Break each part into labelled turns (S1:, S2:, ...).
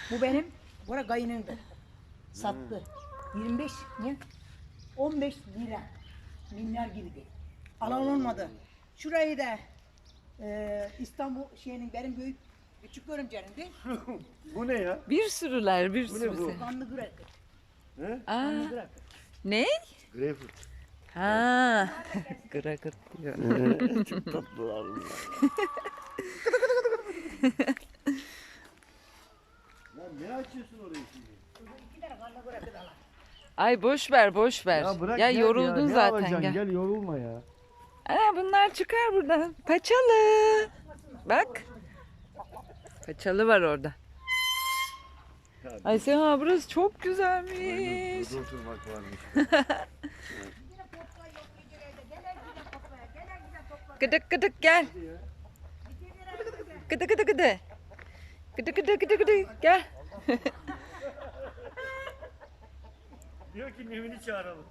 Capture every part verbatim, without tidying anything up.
S1: Bu benim, bura kayınımdı. Sattı. yirmi beş ne? on beş lira. Milyar gibi değil. Alan olmadı. Şurayı da e, İstanbul şeyinin benim büyük küçük görümcerimdi.
S2: Bu ne ya?
S3: Bir sürüler, bir
S2: Bu ne
S3: sürüsü.
S2: bu?
S1: Kanlı Gırakı.
S2: He?
S3: Aa,
S1: Kanlı Gırakı.
S3: ne?
S2: Greyfurt.
S3: Ha. Gırakırt diyor.
S2: Çok tatlılar bunlar. Lan ne açıyorsun orayı şimdi?
S1: İki tane Kanlı Gırakı da var.
S3: Ay boş ver, boş ver.
S2: Ya bırak
S3: Ya
S2: gel
S3: yoruldun
S2: ya. Ne
S3: zaten
S2: alacaksın?
S3: gel.
S2: Gel yorulma ya.
S3: Aa, bunlar çıkar buradan. Paçalı. Bak. Paçalı var orada. Ay Seha burası çok güzelmiş.
S2: Burada oturmak varmış.
S3: Gıdık gıdık gel. Gıdı gıdı gıdı. Gıdı gıdı gıdı gıdı gel.
S2: Diyor ki Nevin'i çağıralım.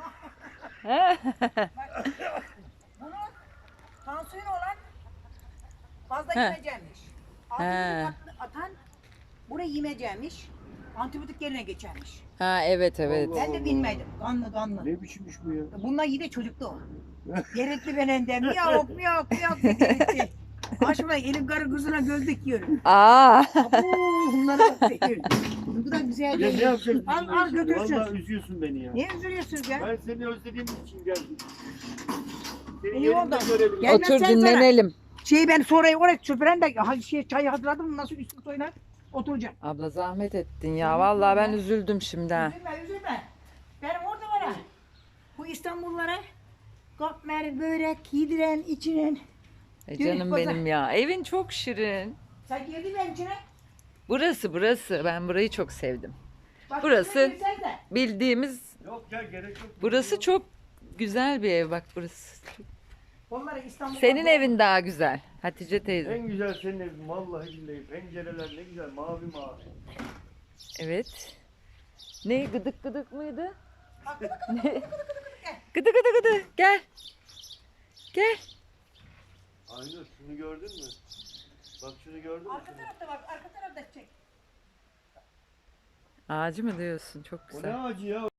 S1: Bunu tansiyon olan fazla
S3: He.
S1: yemeyecekmiş.
S3: He.
S1: Antibiyotik atan buraya yemeyecekmiş. Antibiyotik yerine geçermiş.
S3: Ha evet evet.
S1: Ben de bilmedim. Kanlı kanlı.
S2: Ne biçimmiş bu ya?
S1: Bunlar yine çocuktu o. Gerekli benenden yok yok yok gitti. Aşkına elim karı kızına göz dikiyorum.
S3: Aa.
S1: Abu bunlara bak diyorum. Bu da güzel
S2: Ya ne
S1: değil.
S2: yapacaksın?
S1: Al al götürsün.
S2: Vallahi üzüyorsun beni ya.
S1: Niye üzülüyorsun ya?
S2: Ben seni özlediğim için geldim. Seni
S1: İyi
S2: yerimde
S1: oldu.
S2: görebilirim.
S1: Gel.
S3: Otur
S1: sen
S3: dinlenelim.
S1: Şeyi ben sonra oraya süpüren de ha, şey, çayı hazırladım nasıl üstü soyunar oturacağım.
S3: Abla zahmet ettin ya. Vallahi ben üzüldüm şimdi ha.
S1: Üzülme üzülme. Benim orada var ha. Bu İstanbullara katmer, börek, yediren, içiren.
S3: E
S1: Yürü,
S3: canım
S1: pazar.
S3: benim ya. Evin çok şirin.
S1: Sen girdin mi içine?
S3: Burası burası. Ben burayı çok sevdim.
S1: Bak,
S3: Burası-
S1: şuraya girsen de.
S3: Bildiğimiz
S2: Yok ya gerek yok.
S3: burası çok güzel bir ev bak burası.
S1: Onları İstanbul'da.
S3: Senin evin daha güzel. Hatice teyze.
S2: En güzel senin evin vallahi billahi. Pencereler ne güzel mavi mavi.
S3: Evet. Ne gıdık gıdık mıydı?
S1: Bak, bak,
S3: Ne? Gıdı gıdı gıdı. Gel. Gel.
S2: Aynur şunu gördün mü? Bak şunu gördün mü?
S1: arka tarafta bak arka tarafta çek.
S3: Ağacı mı diyorsun? Çok
S2: O ne
S3: güzel.
S2: ağacı ya?